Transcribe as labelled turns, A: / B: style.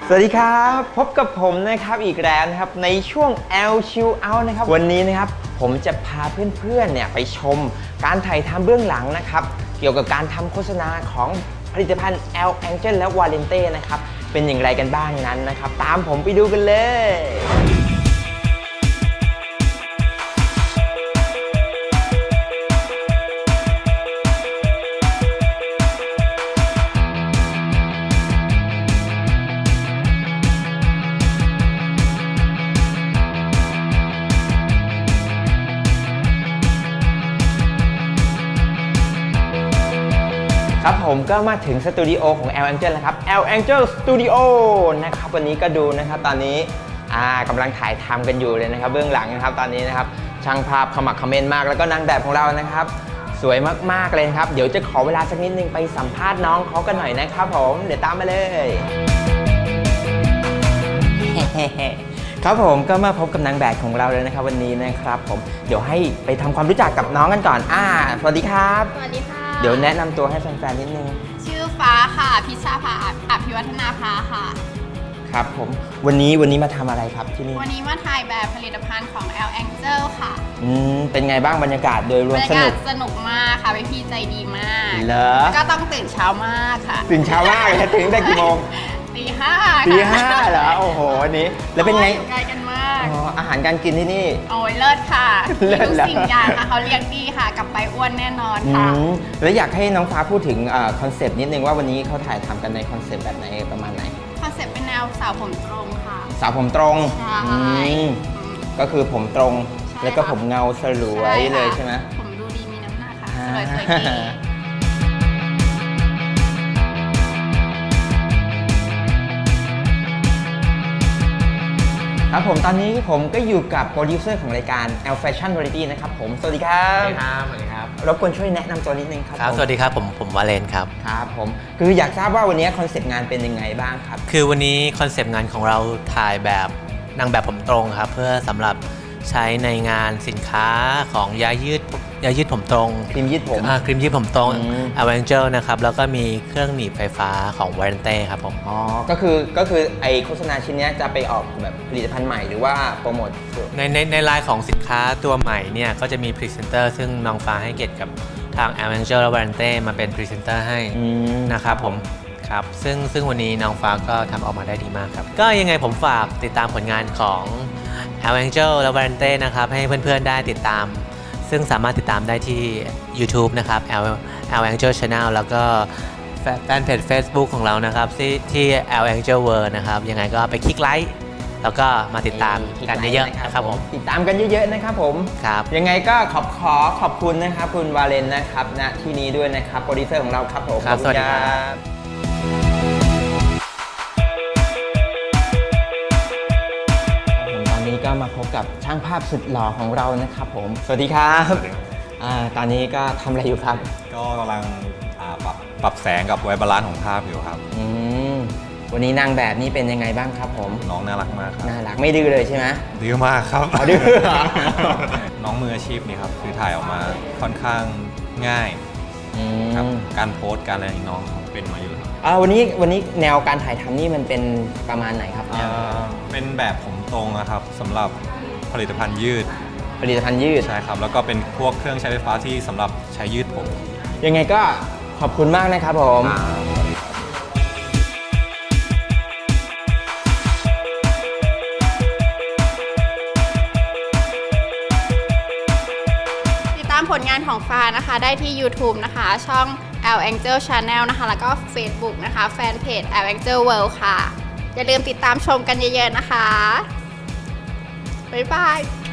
A: สวัสดีครับพบกับผมนะครับอีกแล้วนะครับในช่วง L Chill Out นะครับวันนี้นะครับผมจะพาเพื่อนๆเนี่ยไปชมการถ่ายทำเบื้องหลังนะครับเกี่ยวกับการทำโฆษณาของผลิตภัณฑ์ L Angel และ Valente นะครับเป็นอย่างไรกันบ้างนั้นนะครับตามผมไปดูกันเลยครับผมก็มาถึงสตูดิโอของ L Angel แล้วครับ L Angel Studio นะครับวันนี้ก็ดูนะครับตอนนี้กำลังถ่ายทำกันอยู่เลยนะครับเบื้องหลังนะครับตอนนี้นะครับช่างภาพขมักเขม้นมากแล้วก็นางแบบของเรานะครับสวยมากๆเลยครับเดี๋ยวจะขอเวลาสักนิดนึงไปสัมภาษณ์น้องเขากันหน่อยนะครับผมเดี๋ยวตามมาเลยครับผมก็มาพบกับนางแบบของเราเลยนะครับวันนี้นะครับผมเดี๋ยวให้ไปทำความรู้จักกับน้องกันก่อนสวัสดีครับ
B: สวัสดีค่ะ
A: เดี๋ยวแนะนำตัวให้แฟนๆนิดนึง
B: ชื่อฟ้าค่ะพิชชาภาอภิวัฒนาภาค่ะ
A: ครับผมวันนี้มาทำอะไรครับที่นี่
B: วันนี้มาถ่ายแบบผลิตภัณฑ์ของ L Angel ค่ะ
A: เป็นไงบ้างบรรยากาศโดยรวม
B: สนุกมากค่ะพี่ใจดีมาก
A: เหรอ
B: ก็ต้องตื่นเช้ามากค่ะ
A: ตื่นเช้ามากเลยตื่นได้กี่โมง
B: ตี
A: 5เหรอโอ้โหวันนี้แล้วเป็นไง
B: ไกลกันมาก
A: อาหารการกินที่นี่
B: โอ้ยเลิศค่ะทุกสิ่งอย่างค่ะเขาเลี้ยงดีค่ะกลับไปอ้วนแน่นอนค่ะ
A: แล้วอยากให้น้องฟ้าพูดถึงคอนเซปต์นิดนึงว่าวันนี้เขาถ่ายทำกันในคอนเซปต์แบบไหนประมาณไหน
B: คอนเซปต์เป็นแนวสาวผมตรงค่ะ
A: สาวผมตรงก็คือผมตรงแล้วก็ผมเงาสลวยเลยใช่ไหม
B: ผมดูดีมีน้ำหนักค่ะสวยดี
A: ครับผมตอนนี้ผมก็อยู่กับโปรดิวเซอร์ของรายการ L Fashion Variety นะครับผมสวัสดีครับ
C: สวัสดีครับ
A: รบกวนช่วยแนะนำตัวนิดนึงครับ
C: สวัสดีครับผมวาเลนครับ
A: ครับผมคืออยากทราบว่าวันนี้คอนเซปต์งานเป็นยังไงบ้างครับ
C: คือวันนี้คอนเซปต์งานของเราถ่ายแบบนางแบบผมตรงครับเพื่อสำหรับใช้ในงานสินค้าของยายืดผมตรง
A: ครีมยืดผม
C: ครีมยืดผมตรง L Angel นะครับแล้วก็มีเครื่องหนีบไฟฟ้าของ Valente ครับผม
A: ก็คือไอโฆษณาชิ้นนี้จะไปออกแบบผลิตภัณฑ์ใหม่หรือว่าโปรโมท
C: ในไลน์ของสินค้าตัวใหม่เนี่ยก็จะมีพรีเซนเตอร์ซึ่งน้องฟ้าให้เกียรติกับทาง L Angel และ Valente มาเป็นพรีเซนเตอร์ให้นะครับผมครับซึ่งวันนี้น้องฟ้าก็ทำออกมาได้ดีมากครับก็ยังไงผมฝากติดตามผลงานของ L Angel และ Valente นะครับให้เพื่อนๆได้ติดตามซึ่งสามารถติดตามได้ที่ YouTube นะครับ L Angel Channel แล้วก็แฟนเพจ Facebook ของเรานะครับที่ L Angel World นะครับยังไงก็ไปคลิกไลค์แล้วก็มาติดตามกันเยอะๆนะครับผม
A: ติดตามกันเยอะๆนะครับผม
C: ครับ
A: ยังไงก็ขอบคุณนะครับคุณวาเลนนะครับณที่นี้ด้วยนะครับโปรดิวเซอร์ของเราครับผม
C: ครับสวัสดีครับ
A: ก็มาพบกับช่างภาพสุดหล่อของเรานะครับผมสวัสดีครับตอนนี้ก็ทำอะไรอยู่ครับ
D: ก็กำลังปรับแสงกับไวบาลานซ์ของภาพอยู่ครับ
A: วันนี้นางแบบนี้เป็นยังไงบ้างครับผม
D: น้องน่ารักมากครับ
A: น่ารักไม่ดื้อเลยใช่ไหม
D: ดื้อมากครับ
A: ดื้อ
D: น้องมืออาชีพนี่ครับคือถ่ายออกมาค่อนข้างง่ายครับการโพสการอะไรน้องเป็นมาอยู่ครับ
A: วันนี้แนวการถ่ายทำนี่มันเป็นประมาณไหนครับ
D: เป็นแบบผมตรงนะครับสำหรับผลิตภัณฑ์ยืดใช่ครับแล้วก็เป็นพวกเครื่องใช้ไฟฟ้าที่สำหรับใช้ยืดผม
A: ยังไงก็ขอบคุณมากนะครับผม
B: ติดตามผลงานของฟ้านะคะได้ที่ YouTube นะคะช่อง L Angel Channel นะคะแล้วก็ Facebook นะคะแฟนเพจ L Angel World ค่ะอย่าลืมติดตามชมกันเยอะๆนะคะบ๊ายบาย